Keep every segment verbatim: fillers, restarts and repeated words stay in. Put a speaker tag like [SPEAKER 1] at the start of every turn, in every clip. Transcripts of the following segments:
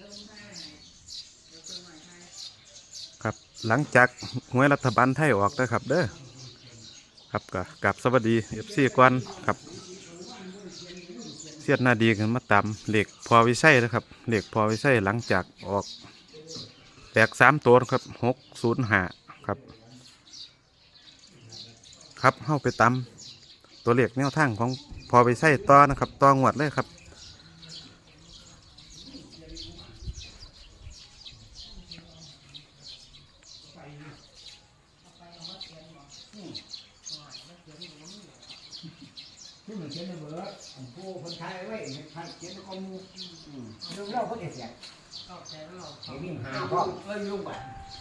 [SPEAKER 1] ครับหลังจากหวยรัฐบาลไทยออกนะครับเด้อครับก็กับสวัสดีเอฟซีก่อนครับเสียดหน้าดีกันมาตามเหล็กพอวิไสนะครับเหล็กพอวิไสหลังจากออกแตกสามตัวครับหกศูนย์ห้าครับครับเข้าไปตามตัวเลขแนวทางของพอวิไสต่อนะครับต่องวดเลยครับ
[SPEAKER 2] ที่มันเขียนในเบอร์ผู้คนไทยไว้เขียนในข้อมูลเรื่องเล่าเขาเสียไอ้วิ่งหาพ่อเอ้ยลุงไป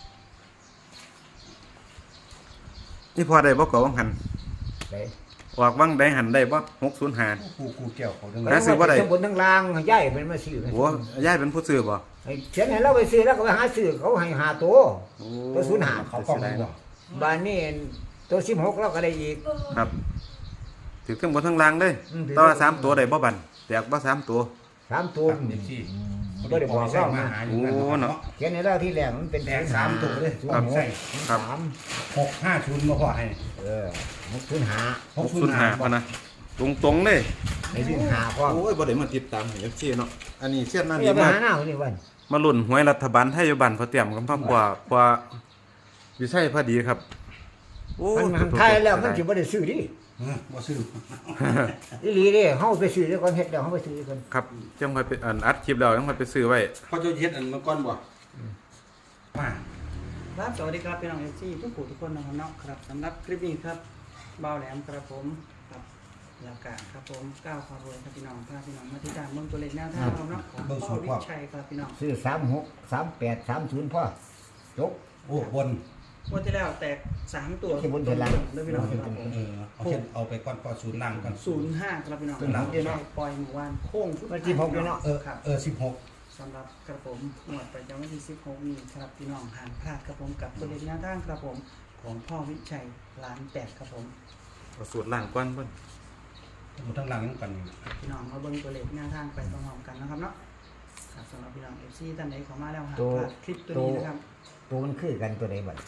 [SPEAKER 1] นี่พอได้บ่ก่อวังหัน
[SPEAKER 2] ได้
[SPEAKER 1] ออกวังได้หันได้บ่หกศูนย์ห้า
[SPEAKER 2] กูกูเกี่ยวเขาทั้ง
[SPEAKER 1] แล้วซื้อว่าใด
[SPEAKER 2] ทั้งบนทั้งล่างย่ายเป็นมาซื้อ
[SPEAKER 1] โอ้ยายเป็นผู้ซื้อบ่
[SPEAKER 2] เขียนให้เราไปซื้อแล้วก็ไปหาซื้อเขาให้หาตัวตัวศูนย์หาเขากล้องได้บ้านนี้ตัวสิบหกเราก็ได้อีก
[SPEAKER 1] ครับถือทั้งบนทั้งล่างเลย
[SPEAKER 2] อืมถือ
[SPEAKER 1] ต่อสามตัวได้บ่บันแตกบ่สามตัว
[SPEAKER 2] สามตัว
[SPEAKER 3] เด็กที่
[SPEAKER 2] ก็ได้บอกเรานะ
[SPEAKER 1] โอ้เนาะ
[SPEAKER 2] เขียนให้เราที่แรกมันเป็น
[SPEAKER 3] แตกสามตัวเลย
[SPEAKER 2] ศูน
[SPEAKER 3] ครับ
[SPEAKER 2] ย์ห
[SPEAKER 3] ใช่
[SPEAKER 2] ก
[SPEAKER 1] ครับ
[SPEAKER 2] สาม
[SPEAKER 3] หกห้าชุนมาพอให้
[SPEAKER 2] เออหกศูนย์หา
[SPEAKER 1] หกศูนย์ห้าพะนะตรงตรงๆเลย
[SPEAKER 2] ไอ้วิ่งหาพ่อ
[SPEAKER 1] โอ้ยบ่ได้มาติดตามเอฟซีเนาะอันนี้เสียนนั่น
[SPEAKER 2] เรี
[SPEAKER 1] ดี
[SPEAKER 2] ยกไป
[SPEAKER 1] มาก
[SPEAKER 2] หาหน้าคนนี้วัน
[SPEAKER 1] มาลุ้นหวยรัฐบาลไทยอยู่บ้านพอเตรียมกันพร้อมกว่ากว่าวิชัยพอดีครับโอ้
[SPEAKER 2] มันมันไทยแล้วมันสิบ่ได้ซื้อดิ
[SPEAKER 3] เออบ่ซื้อ
[SPEAKER 2] อีหลีเด้เฮาไปซื้อแล้วก่อนเฮ็ดแล้วเฮาไปซื้อก่อน
[SPEAKER 1] ครับจังค่อยไปอันอัดคลิปแล้วจังค่อยไปซื้อไว้
[SPEAKER 3] เขาจะเฮ็ดอันมาก่อนบ่มา
[SPEAKER 4] ครับสวัสดีครับพี่น้องเอฟซีทุกผู้ทุกคนนะครับเนาะครับสำหรับคลิปนี้ครับเบาแหลมครับผมครับยากาศครับผมก้าวความรวยครับพี่น้องพาพี่น้องมาที่ตามเมืองตัวเล็กแนวทางเราเนาะของพ่อวิชัยครับพี่น้อง
[SPEAKER 2] ซื้อสามหก สามแปด สามศูนย์พ่อจบ
[SPEAKER 3] โอ้บน
[SPEAKER 4] วันที่แล้วแตกสามตัว
[SPEAKER 2] ที่บนเทลัง
[SPEAKER 4] ด้วยพี่น้องครับผม
[SPEAKER 3] เออเอาเฮ็ดเอาไปก่อนก็ศูนย์ล่างก่อน
[SPEAKER 4] ศูนย์ห้าครับพี่น้อง
[SPEAKER 2] เป็นหลังเดียวเนาะ
[SPEAKER 4] ปล่อยหมู่บ้านโค้ง
[SPEAKER 2] วันที่หกเนาะ
[SPEAKER 3] เออ
[SPEAKER 4] ครับ
[SPEAKER 3] เออสิบหก
[SPEAKER 4] สำหรับกระผมหมวดประจำวันที่สิบหกนี้ครับพี่น้องห่างพลาดครับผมกับตัวเล็กแนวทางครับผมของพ่อวิชัยล้านแปดครับผม
[SPEAKER 1] เอาสูตรล่างก่อนเพิ่น
[SPEAKER 3] หมดทั้งล่างยังกันอยู่
[SPEAKER 4] พี่น้องมาเบิ่งตัวเลขแนวทางไปพร้อมๆกันนะครับเนาะครับสำหรับพี่น้องเอฟซีท่านใดเข้ามาแล้วหา
[SPEAKER 2] ตัว
[SPEAKER 4] พลาดคลิปตัวนี้นะครับ
[SPEAKER 2] ตัวมันคือกันตัวใดบัด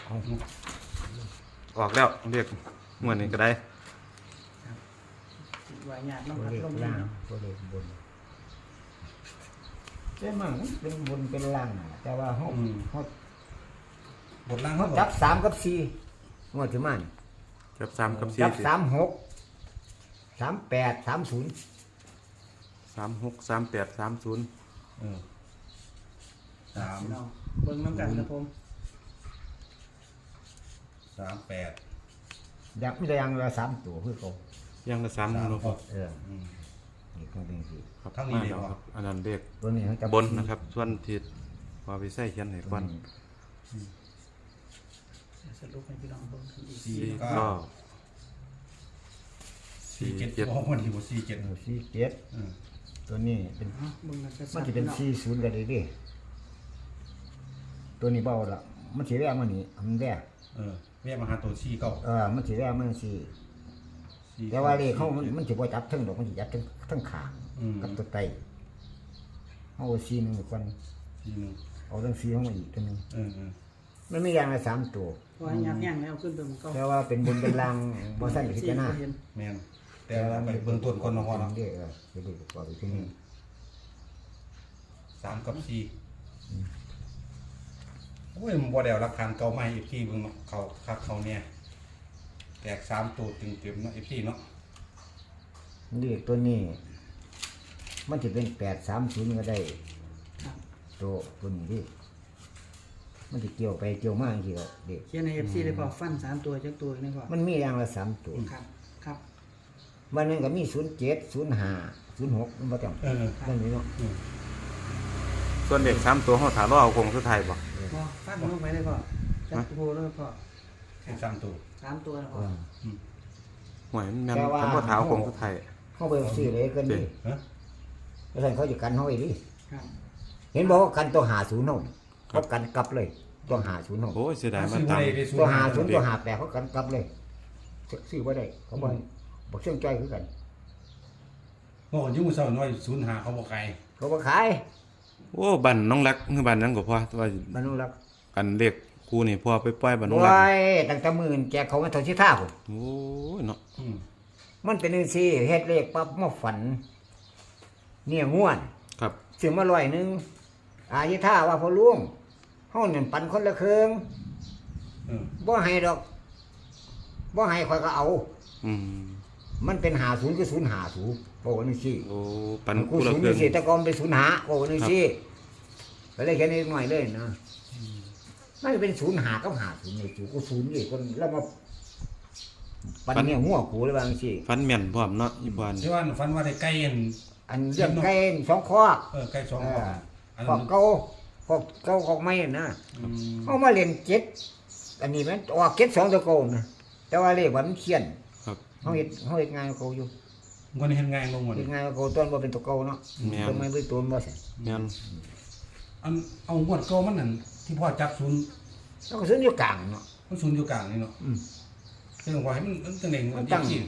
[SPEAKER 1] ออกแล้วเรียกงวดนี้ก็ได้
[SPEAKER 4] ติดไว้หยาด
[SPEAKER 2] ตัว
[SPEAKER 4] น้ำพัด
[SPEAKER 2] เลข
[SPEAKER 4] ลม
[SPEAKER 2] ล่าง
[SPEAKER 4] เนาะ
[SPEAKER 2] ตัวเลขบนใช่มั้งเป็นบนเป็นล่างน่ะแต่ว่าเฮาเฮา
[SPEAKER 3] บนล่าง
[SPEAKER 2] เฮา
[SPEAKER 3] เขา
[SPEAKER 2] จับสามกับสี่งวดที่มัน
[SPEAKER 1] จับสามกับสี่
[SPEAKER 2] จับสามหก สามแปด สามศูนย์
[SPEAKER 1] สามหกสามแปดสามศูนย์
[SPEAKER 3] เออสาม
[SPEAKER 4] พี่น้องเบิ่งน้ำกันครับผม
[SPEAKER 3] สามแปด
[SPEAKER 2] อยากมีแต่อยังละสามตัวคือเขา
[SPEAKER 1] ยังละสาม
[SPEAKER 3] สาม
[SPEAKER 1] เนาะ
[SPEAKER 3] หก
[SPEAKER 2] เออ
[SPEAKER 3] อืม
[SPEAKER 2] นี่ก็เป็นสิ
[SPEAKER 1] ครับ
[SPEAKER 3] ทั้งนี้
[SPEAKER 1] มา
[SPEAKER 3] เลย
[SPEAKER 1] แล้ว
[SPEAKER 3] เหรอ
[SPEAKER 1] ครับอันนั้นเรียก
[SPEAKER 2] ตัวนี้เขาจั
[SPEAKER 1] บนนะครับ ส่วนที่พอวิชัยเขียนให้ก่อน
[SPEAKER 4] สรุปให้พี่น้องเบิ่งอีก
[SPEAKER 3] สี่
[SPEAKER 1] สี่
[SPEAKER 3] เก้า
[SPEAKER 1] เก้า
[SPEAKER 3] สี่
[SPEAKER 1] สี่
[SPEAKER 3] เจ็ด
[SPEAKER 1] เจ็ด
[SPEAKER 3] โอ้วันที่บ่สี่เจ็ด
[SPEAKER 2] เออสี่เจ็ด
[SPEAKER 3] อืม
[SPEAKER 2] ตัวนี้เป็น
[SPEAKER 4] เนาะเบิ่งกันชัด
[SPEAKER 2] มัน
[SPEAKER 4] ๆ
[SPEAKER 2] จะเป็น
[SPEAKER 4] พี่น้อง
[SPEAKER 2] สี่ศูนย์กันเลยดิตัวนี้เบาละมันสีแรกมันนี่มันแรก
[SPEAKER 3] เออแม่มาหาตัวสี่เก้า
[SPEAKER 2] เออมันสีแรกมันสี่
[SPEAKER 3] สี่
[SPEAKER 2] แต่ว่าเลขเขามันมันจะบ่จับทั้งดอกมันจะจับทั้งทั้งขาง
[SPEAKER 3] อืม
[SPEAKER 2] กับตัวไตเอาสี่หนึ่งก่อน
[SPEAKER 3] สี่หนึ่ง
[SPEAKER 2] เอาทั้งสี่เข้ามาอีกตัวหนึง
[SPEAKER 3] เออเออ
[SPEAKER 2] มันไม่อย่างละสามตัว
[SPEAKER 4] เพราะว่ายับยั้งแล้วขึ้นตัวมันก็
[SPEAKER 2] แต่ว่าเป็นบนเป็นล่างบ่สั้นพิจารณา
[SPEAKER 4] เห็น
[SPEAKER 3] แม่นแต่ว่าไปเบื้องต้นก่อนเนาะพ่อเนาะ
[SPEAKER 2] เด้อเออไปดูประกอบอีกทีหนึง
[SPEAKER 3] สามกับสี่โอ้ยมันบ่ได้เอาหลักฐานเก่ามาให้อีกทีเบิ่งเนาะเขาคักเขาเนี่ยแตกสามตัวเต็มๆเนาะอีกทีเนาะ
[SPEAKER 2] เลขตัวนี้ มันจะเป็นแปดสามศูนย์ก็ได้
[SPEAKER 4] ครับ
[SPEAKER 2] ตัวตัวนี้ดิมันจะเกี่ยวไปเกี่ยวมาจริงๆก็เด็ก
[SPEAKER 4] เขียนในเอฟซีเลยพอฟันสามตัวจักตัวนี่พอ
[SPEAKER 2] มันมีอย่างละสามตัว
[SPEAKER 4] ครับครับ
[SPEAKER 2] วันหนึงก็มีศูนย์เจ็ดศูนย์ห้าศูนย์หกมันประจำ
[SPEAKER 3] เออ
[SPEAKER 2] นั่นนี่เนาะ
[SPEAKER 3] อืม
[SPEAKER 1] ส่วนเด็กสามตัวเขาถามว่าเอาคงสุดท้ายบ่
[SPEAKER 4] พอฟันลงไปเลยพอจักตัวเลยพอ
[SPEAKER 3] แค่สามตัว
[SPEAKER 4] สามตัวนะพ
[SPEAKER 2] เอ
[SPEAKER 4] อ
[SPEAKER 2] อ
[SPEAKER 1] หวยมันแม่นคำว่าถามคงสุดท้าย
[SPEAKER 2] เข้าไปซื้อเลยกันดิ
[SPEAKER 3] ฮะ
[SPEAKER 2] แล้วท่านเขาจะกันเขาไว้ดิ
[SPEAKER 4] ครับ
[SPEAKER 2] เห็นบอกว่ากันตัวหาศูนย์เนาะเขากันกลับเลยตัวหาศูนย์เนาะ
[SPEAKER 1] โอ้ยเสียดายมา
[SPEAKER 3] ซื้อ
[SPEAKER 1] ตาม
[SPEAKER 3] ไว้ได้ศูน
[SPEAKER 2] ตัว
[SPEAKER 3] ย์
[SPEAKER 2] หา
[SPEAKER 3] ห้า
[SPEAKER 2] ศูนย์ตัวหาแปดเขากันกลับเลยซื้อไว้ได้เขาบอกบอกเชื่องใจคือกัน
[SPEAKER 3] โอ้ยุ่งเศร้าน้อยศูนย์ห้าเขาบ่ขาย
[SPEAKER 2] เขาบอกขาย
[SPEAKER 1] โอ้บันน้องรักคือบันนั้นก็พอว่า
[SPEAKER 2] บ้านนู้นรัก
[SPEAKER 1] กันเลขกูนี่พอไปปล่อยบันน้องรัก
[SPEAKER 2] โอ้ยตั้งแต่มื่นแจกเขามาเท่าที่ท่าผม
[SPEAKER 1] โอ้ยเนาะ
[SPEAKER 3] อืม
[SPEAKER 2] มันเป็นจังซี่เฮ็ดเลขปั๊บมาฝัน เนี่ยง่วน
[SPEAKER 1] ครับ
[SPEAKER 2] ซื้อมาร้อยหนึงอายิท่าว่าพอลุงเฮานั่นปันคนละครึ่ง
[SPEAKER 3] เออ
[SPEAKER 2] บ่ให้ดอกบ่ให้ข่อยก็เอา
[SPEAKER 1] อืม
[SPEAKER 2] มันเป็นหาศูนย์คือศูนย์หาศูนย์บอกว่าจังซี่
[SPEAKER 1] โอ้ปัน
[SPEAKER 2] กู
[SPEAKER 1] กูละ
[SPEAKER 2] ศูนย์
[SPEAKER 1] เครื่
[SPEAKER 2] จั
[SPEAKER 1] อง
[SPEAKER 2] งซี่แต่ก่อนเป็นศูนย์หาบอกว่าจังซี่ก็เลยแค่นี้หน่อยเลยนะมันเป็นศูนย์หากับหาศูนย์นี่กูศูนย์นี่คนแล้วมาปันเนี่ยหัวกูเลยว่าจังซี่
[SPEAKER 1] ฟันแม่นพร้อมเนาะอีบาน
[SPEAKER 3] ที่ว่าฝันว่าได้ไก่อัน
[SPEAKER 2] อันเรื่องไก่สองคอก
[SPEAKER 3] เออไก่สอง
[SPEAKER 2] เอ
[SPEAKER 3] ค
[SPEAKER 2] อ
[SPEAKER 3] อกอัน
[SPEAKER 2] ขอ
[SPEAKER 3] นั้
[SPEAKER 2] ก
[SPEAKER 3] น
[SPEAKER 2] เก่าขอกเก่าขอกไม้นะ
[SPEAKER 3] อืม
[SPEAKER 2] เอามาเล่นเจ็ดอันนี้มันออกเจ็ดสองตัวโกงนะแต่ว่าเลขว่ามันเขียน
[SPEAKER 1] ครับ
[SPEAKER 2] เฮาเฮ็ดเฮาเฮ็ดงานกับเขาอยู่
[SPEAKER 3] วันนี้เห็นง่ายลงหมด
[SPEAKER 2] เฮ็ดงานกับเขาต้นบ่เป็นตัวเก่าเนาะ
[SPEAKER 1] แม่น
[SPEAKER 2] ต้นไม้บ่ต้นบ่ใช่
[SPEAKER 1] แม่น
[SPEAKER 3] อันเอางวดเก่ามันนั่นที่พ่อจับศูนย์
[SPEAKER 2] แล้วก็ซื้ออยู่กลางเนาะ
[SPEAKER 3] มันศูนย์อยู่กลางนี่เนาะ
[SPEAKER 2] อืม
[SPEAKER 3] เรื่องว่าให้มันมันตั้งเน่ง
[SPEAKER 2] มั
[SPEAKER 3] มัน น
[SPEAKER 2] ตั้
[SPEAKER 3] ตั้
[SPEAKER 2] ง
[SPEAKER 3] งที่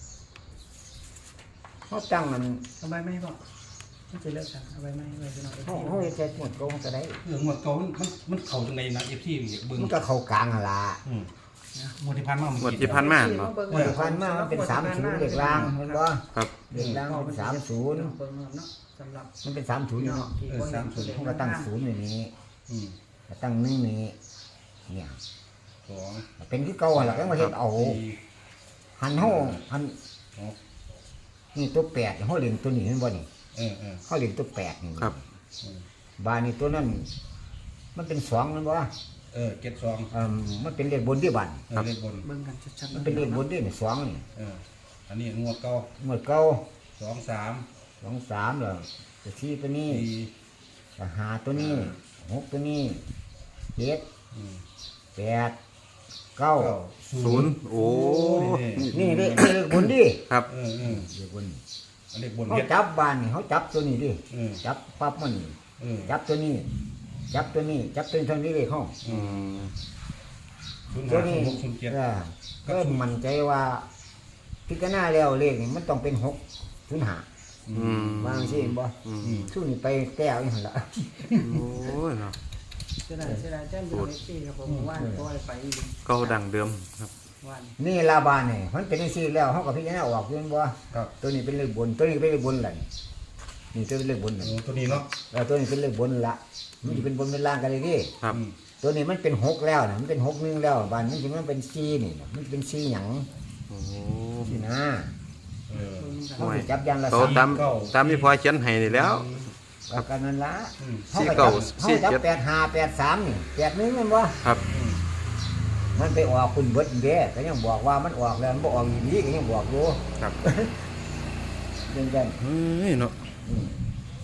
[SPEAKER 2] เฮาตั้งมัน
[SPEAKER 4] เอาใบไม้บอกไม่จะเลิกกันเอาใบไม้ไว้พี่น้อง
[SPEAKER 2] เฮาเฮาเฮ็ดใส่หมดเก่าก็ได้
[SPEAKER 3] เรื่องงวดเก่ามันมันมันเข้าจังได๋นะเอฟซีเบิ่ง
[SPEAKER 2] มันก็เข้ากลางหั่นล่ะ
[SPEAKER 3] อืมงวดที่ผ่านมาเมื่
[SPEAKER 1] งวด
[SPEAKER 3] อ
[SPEAKER 1] ที่
[SPEAKER 3] กี้
[SPEAKER 1] ผ่านมา
[SPEAKER 4] เนาะ
[SPEAKER 1] เนาะ
[SPEAKER 2] เมื่อพันมามันเป็นสามศูนย์เลขล่างเห็นบ่
[SPEAKER 1] ครับ
[SPEAKER 2] เลขล่างมันเป็นสามศูนย์
[SPEAKER 4] เบิ่งเนาะสำหรับ
[SPEAKER 2] มันเป็นสามศูนย์เนาะ
[SPEAKER 4] ที่บ่เห็นตัวเลข
[SPEAKER 2] เฮาก็ตั้งศูนย์อยู่นี้
[SPEAKER 3] อืม
[SPEAKER 2] ก็ตั้งหนึ่งนี้เนี่ย
[SPEAKER 3] สอง
[SPEAKER 2] เป็นคือเก่าหั่นล่ะก็มาเฮ็ดเอา
[SPEAKER 3] สี่
[SPEAKER 2] หันเฮาหัน
[SPEAKER 3] หก
[SPEAKER 2] นี่ตัวแปดเฮาเล่นตัวนี้เห็นบ่นี่
[SPEAKER 3] เออเออ
[SPEAKER 2] เฮาเล่นตัวแปดนี่
[SPEAKER 1] ครับ
[SPEAKER 3] อืม
[SPEAKER 2] บานนี่ตัวนั้น มันเป็นสองแม่นบ่
[SPEAKER 3] เออเจ็ดสอง
[SPEAKER 2] เอ่อมันเป็นเลขบนที่บัน
[SPEAKER 3] เออเลขบน
[SPEAKER 4] เบิ่งกันชัดๆ
[SPEAKER 2] มันเป็นเลขบนที่นี่สองนี่
[SPEAKER 3] เอออันนี้งวดเก่า
[SPEAKER 2] หมดเก่า
[SPEAKER 3] สองสาม
[SPEAKER 2] สองสามแล้วจะสี่ตัวนี้
[SPEAKER 3] สี่
[SPEAKER 2] จะหาตัวนี้หกตัวนี้เจ็ด
[SPEAKER 3] อืม
[SPEAKER 2] แปดเก้า
[SPEAKER 3] เก้า
[SPEAKER 1] ศูนย์โอ้
[SPEAKER 2] นี่เลขเลขบนดิ
[SPEAKER 1] ครับ
[SPEAKER 3] เออเออ
[SPEAKER 2] เลขบน
[SPEAKER 3] อันเลขบน
[SPEAKER 2] เขา
[SPEAKER 3] เฮ็ด
[SPEAKER 2] จับบานนี่เขาจับตัวนี้ดิ
[SPEAKER 3] เออ
[SPEAKER 2] จับปั๊บมัน
[SPEAKER 3] เออ
[SPEAKER 2] จับตัวนี้ จับตัวนี้ จับตัวนี้เท่านี้เลยเขา
[SPEAKER 1] อืม
[SPEAKER 3] ศูนย์
[SPEAKER 2] ตัว
[SPEAKER 3] ห้าศู
[SPEAKER 2] นี้
[SPEAKER 3] นย์หกศูนย์เจ็ด
[SPEAKER 2] เออก็มั่นใจว่าพิจารณาแล้วเลขนี่มันต้องเป็นหกศูนย์ห้า
[SPEAKER 1] อืม
[SPEAKER 2] วางสิเห็นบ่
[SPEAKER 1] อืม
[SPEAKER 3] อืม
[SPEAKER 2] สู้นี่ไปแก้วนี่หั่นละ
[SPEAKER 1] โอ้ยเนาะ
[SPEAKER 4] เสียดายเสียดายแจ้งดูเอฟซีครับผมว่านก็ไปอีก
[SPEAKER 1] เก่าดังเดิมครับ
[SPEAKER 4] ว่าน
[SPEAKER 2] นี่ลาบานนี่มันเป็นจังซี่แล้วเฮาก็พิจารณาออกอยู่แม่นบ่
[SPEAKER 3] ครับ
[SPEAKER 2] ตัวนี้เป็นเลขบน ตัวนี้เป็นเลขบนล่ะนี่นี่ตัวเป็นเลขบน
[SPEAKER 3] โอ้
[SPEAKER 2] น่ะ
[SPEAKER 3] ตัวนี้เนาะ
[SPEAKER 2] แล้วตัวนี้เป็นเลขบนละมันจะเป็นบนเป็นล่างกันเลยดิ
[SPEAKER 1] ครับ
[SPEAKER 3] อืม
[SPEAKER 2] ตัวนี้มันเป็นหกแล้วน่ะมันเป็นหกหนึงแล้วบานมันสิมันเป็นสี่นี่น่ะมันเป็นสี่หยัง
[SPEAKER 1] โอ้
[SPEAKER 2] นี่นะ
[SPEAKER 3] เออ
[SPEAKER 4] เบิ่งกัน
[SPEAKER 2] เฮาสิจับอย่างละ
[SPEAKER 1] เขา
[SPEAKER 2] สาม
[SPEAKER 1] ตามตามที่พอเขียนให้นี่แล้ว
[SPEAKER 2] เอากันนั่นละ
[SPEAKER 3] อืม
[SPEAKER 2] เฮาก็
[SPEAKER 1] สี่เก้า
[SPEAKER 2] จับ
[SPEAKER 1] สี่
[SPEAKER 2] เฮาจับ
[SPEAKER 1] เจ็ด
[SPEAKER 2] แปดห้าแปดสามนี่แปดหนึงแม่นบ่
[SPEAKER 1] ครับ
[SPEAKER 3] อืม
[SPEAKER 2] มันไปออกคุณเบิดเด้ก็ยังบอกว่ามันออกแล้วมันบ่ออกอีหลีก็ยังบอกอยู่
[SPEAKER 1] ครับ
[SPEAKER 2] เรื่องกัน
[SPEAKER 1] เฮ้ยเนาะ
[SPEAKER 2] อืม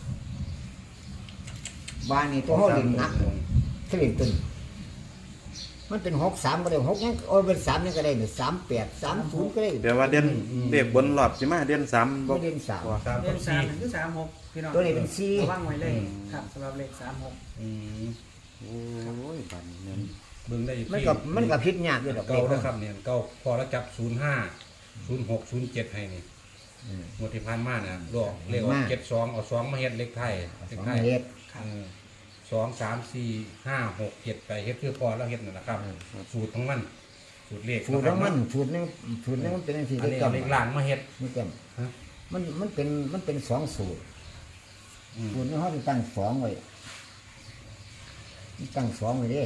[SPEAKER 2] บ้านนี่ตัวเฮาเล่นหนักเทเล่นตึนมันเป็นหกสามก็ได้หกยังโอ้ยเป็นสามยังก็ได้เนี่ยสามแปดสามศูนย์ก็ได้
[SPEAKER 1] เดี๋ยวว่าเด่นเด็กบนหลอดใช่ไหมเด่นสามบ่
[SPEAKER 2] ไม่เล่นสาม
[SPEAKER 3] สาม
[SPEAKER 4] เล
[SPEAKER 3] กับ
[SPEAKER 4] ขสา
[SPEAKER 3] สี่
[SPEAKER 4] มคือสามหกพี่น้อง
[SPEAKER 2] ตัวนี้เป็นสี่
[SPEAKER 4] ระว่างไว้เลยครับสำหรับเลขสามหก
[SPEAKER 3] อืม
[SPEAKER 1] โอ้ยบันเนี่ย
[SPEAKER 3] เบิ่งได้
[SPEAKER 2] มันกับมันกับพิษยากอยู่ดอก
[SPEAKER 3] เก่า
[SPEAKER 2] เล
[SPEAKER 3] นะ
[SPEAKER 2] ข
[SPEAKER 3] ครับเนี่ยเก่าพอแล้วจับศูนย์ห้าศูนย์หกศูนย์เจ็ดให้นี่
[SPEAKER 2] อืม
[SPEAKER 3] งวดที่ผ่านมาเนี่ยลอกเลขออกเจ็ดสองเอาสองมาเฮ็ดเลขไทยเล
[SPEAKER 2] ส
[SPEAKER 3] ข
[SPEAKER 2] อง
[SPEAKER 3] ไทย
[SPEAKER 2] เฮ็ด
[SPEAKER 3] เออสองสามสี่ห้าหกเจ็ดไปเฮ็ดคือพอแล้วเฮ็ดนั่นนะครับ สูตรของมัน สูตรเลข
[SPEAKER 2] สูตรของมันสูตรหนึงสูตรหนึงมันเป็นจังซี่
[SPEAKER 3] อัน
[SPEAKER 2] เล
[SPEAKER 3] นี้
[SPEAKER 2] ข
[SPEAKER 3] เอา
[SPEAKER 2] จำ
[SPEAKER 3] เลขล่างมาเฮ็ด
[SPEAKER 2] นี่จ
[SPEAKER 3] ฮะ
[SPEAKER 2] ำมันมันเป็นมันเป็นสองสูตร
[SPEAKER 3] อืม
[SPEAKER 2] สูตรนี้เขาจะตั้งสองไว้ตั้งสองไว้เด้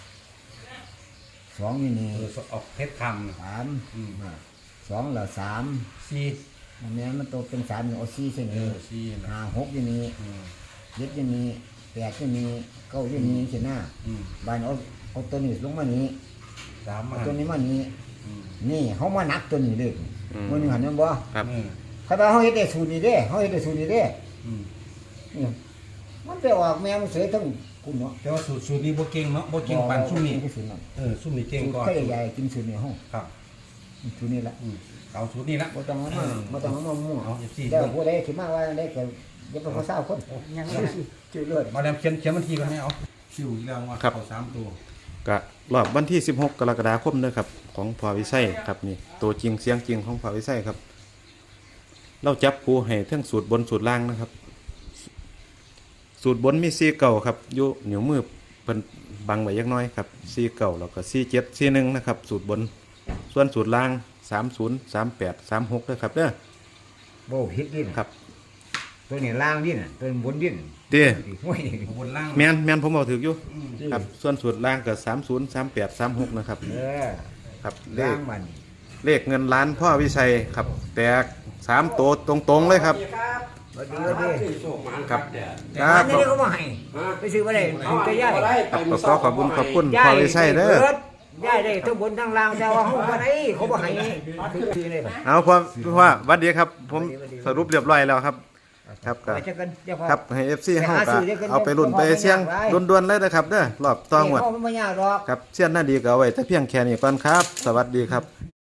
[SPEAKER 2] สองนี่นี่
[SPEAKER 3] เออออกเพชรคำน่ะ
[SPEAKER 2] สาม
[SPEAKER 3] อืม
[SPEAKER 2] อ่าสองแล้วสาม
[SPEAKER 3] สี่
[SPEAKER 2] อันนี้มันโตเป็นสามนี่เอาสี่เส้น
[SPEAKER 3] เอ
[SPEAKER 2] นี้
[SPEAKER 3] อสี่นะ
[SPEAKER 2] ห้าหกอยู่นี่
[SPEAKER 3] อืม
[SPEAKER 2] เจ็ดอยู่นี่แปดอยู่นี่เก้าอยู่นี่ใช่ไหม
[SPEAKER 3] อืม
[SPEAKER 2] บานเอาเอาตัวนี้ลงมานี้
[SPEAKER 3] สาม
[SPEAKER 2] เอา
[SPEAKER 3] มา
[SPEAKER 2] ตัวนี้มานี้
[SPEAKER 3] อืม
[SPEAKER 2] นี่เขามานักตัวนี้เลยมันหนึ่งหันนั่นบ่
[SPEAKER 1] ครับ
[SPEAKER 3] อืม
[SPEAKER 2] เขาบอกเขาเฮ็ดได้สูตรนี้เด้เขาเฮ็ดได้สูตรนี้เด้
[SPEAKER 3] อืม
[SPEAKER 2] นี่มันไปออกแมวมันเสียทั้งคุณเนาะ
[SPEAKER 3] แต่ว่าสูตรสูตรนี้บ่เก่งเนาะบ่เก่งปานซุ่มนี้
[SPEAKER 2] บ่สูตรนั้น
[SPEAKER 3] เออซุ่มนี้เก่ง
[SPEAKER 2] สูตร
[SPEAKER 3] ก่อน
[SPEAKER 2] ไข่ใหญ่กินสูตรนี้ห้อง
[SPEAKER 3] ครับ
[SPEAKER 2] สูตรนี้ละ
[SPEAKER 3] อืมเอาสูตรนี้ละ
[SPEAKER 2] บ่ต้องเอามาบ่ต้องเอามามั่ว
[SPEAKER 3] เอาอย่าสิ
[SPEAKER 2] แล้วผู้ใดสิมาว่าได้ก็อย่าไปขอเศร้าคน
[SPEAKER 4] ยังไง
[SPEAKER 2] ชื่อเลือด
[SPEAKER 3] มาแล้วเขียนเขียนบันทีกันไหมเอาคิวอีกแล้วว่าเขาสามตัว
[SPEAKER 1] กะรอบวันที่สิบหกกรกฎาคมเด้อครับ ของพอวิไสครับนี่ตัวจริงเสียงจริงของพอวิไสครับ เราจับคู่ให้ทั้งสูตรบนสูตรล่างนะครับสูตรบนมีสี่เก่าครับอยู่เหนียวมือเพิ่นบังไว้ยักหน้อยครับสี่เก่าแล้วก็สี่เจ็ดสี่หนึ่งนะครับสูตรบนส่วนสูตรล่างสามศูนย์สามแปดสามหกด้วยครับเด้อ
[SPEAKER 2] โบผิดดิน
[SPEAKER 1] ครับ
[SPEAKER 2] ตัวนี้ล่างดินน่ะตัวนี้บนดิน
[SPEAKER 1] เด้อ
[SPEAKER 2] ห้วย
[SPEAKER 3] บนล่าง
[SPEAKER 1] แม่นแม่นผมเอาถืออยู่ครับส่วนสูตรล่างก็สามศูนย์สามแปดสามหกนะครับ
[SPEAKER 2] เออ
[SPEAKER 1] ครับเล
[SPEAKER 2] ล่า
[SPEAKER 1] ข
[SPEAKER 2] งมัน
[SPEAKER 1] เลขเงินล้านพ่อวิชัยครับแตกสามตัวตรงๆเลยครับ
[SPEAKER 2] มาดีมาดี
[SPEAKER 1] ครับค
[SPEAKER 2] อั
[SPEAKER 1] รับ
[SPEAKER 2] นนี้เขามาให้ไปซื้อมาได้ถูกใจย่าย
[SPEAKER 1] ขอขอบคุณขอบคุณ
[SPEAKER 2] ย่า
[SPEAKER 1] พ่อย วิชัยเด้อ
[SPEAKER 2] บิดย่ายได้ทั้งบนทั้งล่างแต่ว่าเขาบ่ได้เขาบ่ให้คือคือเลยบัด
[SPEAKER 1] เอาพ่อพ่อหวัดดีครับ ผมสรุปเรียบร้อยแล้วครับ ครับก็
[SPEAKER 2] ไปเจอกันเดี๋ยวพอ
[SPEAKER 1] ครับให้ เอฟ ซี
[SPEAKER 2] ไป
[SPEAKER 1] เฮา
[SPEAKER 2] หา
[SPEAKER 1] ก็
[SPEAKER 2] ซื้อเดี๋ยวกัน
[SPEAKER 1] เอาไปรุ่นไปเสี่ยงด่วนๆเลยนะครับเด้อรอบต้องหมด
[SPEAKER 2] นี่เขาไม่ยากหรอก
[SPEAKER 1] ครับเสี้ยนหน้าดีก็เอาไว้แต่เพียงแค่นี้ก่อนครับ สวัสดีครับ